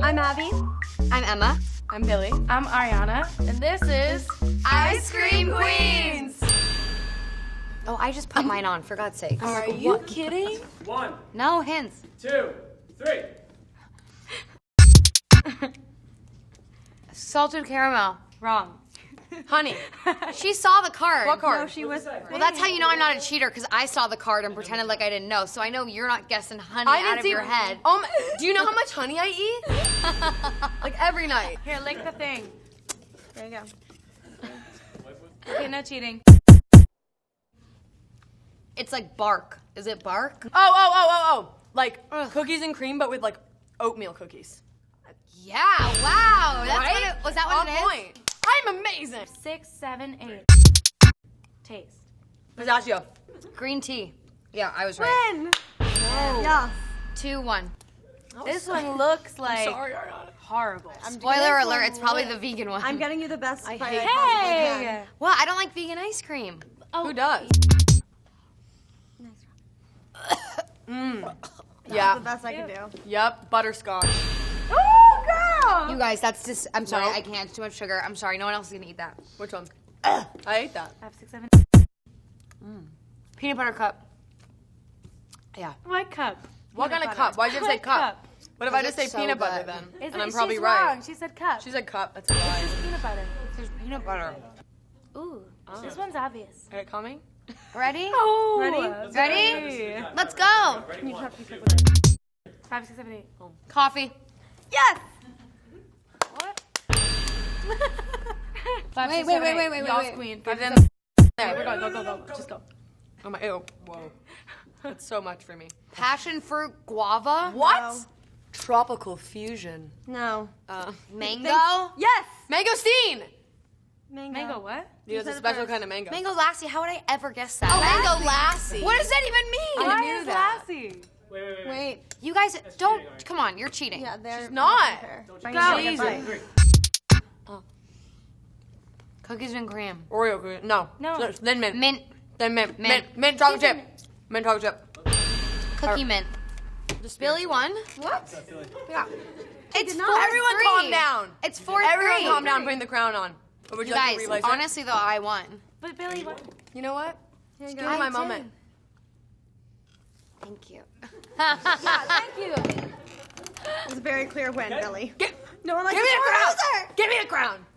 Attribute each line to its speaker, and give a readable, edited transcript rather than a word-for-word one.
Speaker 1: I'm Abby.
Speaker 2: I'm Emma.
Speaker 3: I'm Billy.
Speaker 4: I'm Ariana, and this is
Speaker 2: Ice Cream Queens! Oh, I just put mine on, for God's sake.
Speaker 3: Are you kidding?
Speaker 5: 1,
Speaker 2: No hints.
Speaker 5: 2, 3.
Speaker 2: Salted caramel.
Speaker 4: wrong.
Speaker 3: Honey.
Speaker 2: She saw the card.
Speaker 3: What card?
Speaker 1: No, she was.
Speaker 2: Well, that's how you know I'm not a cheater, because I saw the card and pretended like I didn't know. So I know you're not guessing honey
Speaker 3: I
Speaker 2: out
Speaker 3: didn't
Speaker 2: of
Speaker 3: see
Speaker 2: your head.
Speaker 3: Do you know how much honey I eat? Like every night.
Speaker 4: Here, lick the thing.
Speaker 1: There you go.
Speaker 4: Okay, no cheating.
Speaker 2: It's like bark. Is it bark?
Speaker 3: Oh. Like cookies and cream, but with like oatmeal cookies.
Speaker 2: Yeah, wow. That's
Speaker 3: Right?
Speaker 2: what it, was that what
Speaker 3: On
Speaker 2: it is?
Speaker 3: point. I'm amazing.
Speaker 4: 6, 7, 8. Taste.
Speaker 3: Pistachio.
Speaker 2: Green tea. Yeah, I was right.
Speaker 1: Win. Yeah.
Speaker 2: 2-1.
Speaker 4: This one looks like
Speaker 3: Sorry, Ariana.
Speaker 4: horrible.
Speaker 2: Spoiler alert, it's probably the vegan one.
Speaker 1: I'm getting you the best.
Speaker 2: I
Speaker 1: bite
Speaker 2: hate-
Speaker 1: I possibly
Speaker 4: Hey!
Speaker 1: can.
Speaker 2: Well, I don't like vegan ice cream.
Speaker 3: Who does?
Speaker 1: The
Speaker 3: Yeah.
Speaker 1: best I can do.
Speaker 3: Yep. Butterscotch.
Speaker 4: Oh, girl!
Speaker 2: You guys, that's just, I'm sorry,
Speaker 3: No.
Speaker 2: I can't. It's too much sugar. I'm sorry, no one else is gonna eat that.
Speaker 3: Which one? I ate that.
Speaker 4: 5, 6, 7.
Speaker 2: Peanut butter cup. Yeah.
Speaker 4: What cup?
Speaker 3: What kind of
Speaker 4: Peanut
Speaker 3: cup?
Speaker 4: butter.
Speaker 3: Why'd you say
Speaker 4: What
Speaker 3: cup? What if I
Speaker 2: Because
Speaker 3: just say
Speaker 2: it's so
Speaker 3: peanut butter
Speaker 2: good.
Speaker 3: then?
Speaker 4: Is
Speaker 3: And I'm
Speaker 4: it-
Speaker 3: probably
Speaker 4: she's
Speaker 3: right.
Speaker 4: Wrong. She said cup.
Speaker 3: She said cup. That's a lie.
Speaker 4: peanut butter.
Speaker 2: There's peanut butter.
Speaker 4: Ooh, this one's obvious.
Speaker 3: Are you coming?
Speaker 2: Ready?
Speaker 4: Oh,
Speaker 1: Ready?
Speaker 2: Ready? Let's go.
Speaker 1: You just have to be quick with it.
Speaker 4: 5, 6, 7, 8.
Speaker 2: Coffee.
Speaker 1: Yes.
Speaker 4: What?
Speaker 2: 5,
Speaker 1: Wait,
Speaker 2: 6,
Speaker 1: wait,
Speaker 2: 7,
Speaker 1: wait,
Speaker 2: 8.
Speaker 1: wait, wait,
Speaker 4: Y'all's
Speaker 1: wait.
Speaker 4: queen.
Speaker 3: Give
Speaker 4: 5,
Speaker 3: them
Speaker 4: 6, 7.
Speaker 3: there.
Speaker 4: We're going. Go. Just go.
Speaker 3: Oh my, ew. Whoa. That's so much for me.
Speaker 2: Passion fruit guava.
Speaker 3: What?
Speaker 1: No.
Speaker 3: Tropical fusion.
Speaker 1: No.
Speaker 2: Mango.
Speaker 1: Yes.
Speaker 3: Mangosteen!
Speaker 4: Mango what?
Speaker 3: It's
Speaker 1: said
Speaker 3: a
Speaker 1: it
Speaker 3: special
Speaker 1: first.
Speaker 3: kind of mango.
Speaker 2: Mango lassi. How would I ever guess that?
Speaker 3: Mango lassi.
Speaker 2: What does that even mean?
Speaker 4: Why
Speaker 3: knew
Speaker 4: is
Speaker 3: that.
Speaker 4: Lassie?
Speaker 5: Wait.
Speaker 1: Wait.
Speaker 2: You guys don't.
Speaker 5: cheating, Ari.
Speaker 2: Come on, you're cheating.
Speaker 1: Yeah, they're.
Speaker 3: She's not.
Speaker 1: Go.
Speaker 3: Jesus.
Speaker 5: 3.
Speaker 2: Cookies and cream.
Speaker 3: Oreo cream. No.
Speaker 4: No.
Speaker 3: Then mint.
Speaker 2: Mint.
Speaker 3: Then mint.
Speaker 2: Mint.
Speaker 3: Mint chocolate chip. Mint chocolate chip.
Speaker 2: Cookie mint. Billy won.
Speaker 1: What?
Speaker 3: Yeah.
Speaker 2: It's 4-3.
Speaker 3: Everyone calm down.
Speaker 2: It's 4-3.
Speaker 3: Everyone calm down putting the crown on. Or would you
Speaker 2: You
Speaker 3: like
Speaker 2: guys,
Speaker 3: to relight it?
Speaker 2: honestly though, I won.
Speaker 4: But Billy, what?
Speaker 3: You know what?
Speaker 1: Here you
Speaker 3: Give
Speaker 1: go.
Speaker 3: me my
Speaker 2: did.
Speaker 3: moment.
Speaker 2: Thank you.
Speaker 1: Thank you. It was a very clear win, Billy.
Speaker 3: Give
Speaker 1: No one likes
Speaker 3: me
Speaker 1: a
Speaker 3: the crown.
Speaker 1: loser.
Speaker 3: Give me the crown.